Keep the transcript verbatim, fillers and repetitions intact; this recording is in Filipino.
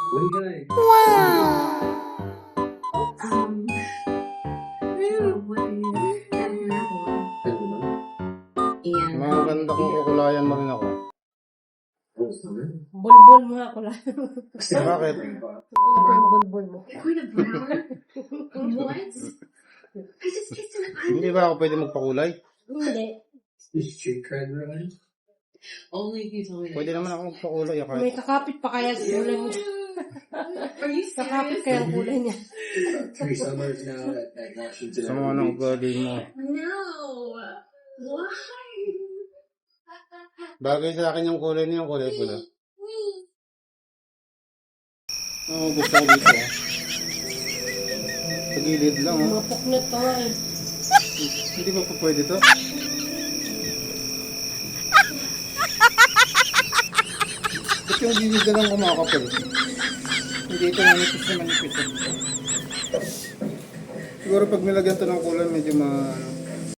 Wow! Mga ganda kong kukulayan mo rin ako. Bulbul mo ako lang. Bakit? Bulbul mo. What? I just kissed an Hindi ba ako pwede magpakulay? Hindi. Only if you told me that. Pwede naman ako magpakulay. May Kahit kakapit pa kaya sa kulay mo. Are you Kakapit serious? kaya ang kulay niya. Three summers now at, at Washington. sa mga nang ugali mo. No. Why? Bagay sa akin yung kulay niya, yung kulay pula. Oo, gusto ko dito. ah. Sa gilid lang, oh. Mga puknot pa nga eh. Hindi ba pa pwede to? Ba't yung gilid na lang kumakapal? Hindi ito manipis na manipis. eh. Siguro pag nilagyan to ng kulay, medyo ma... ano,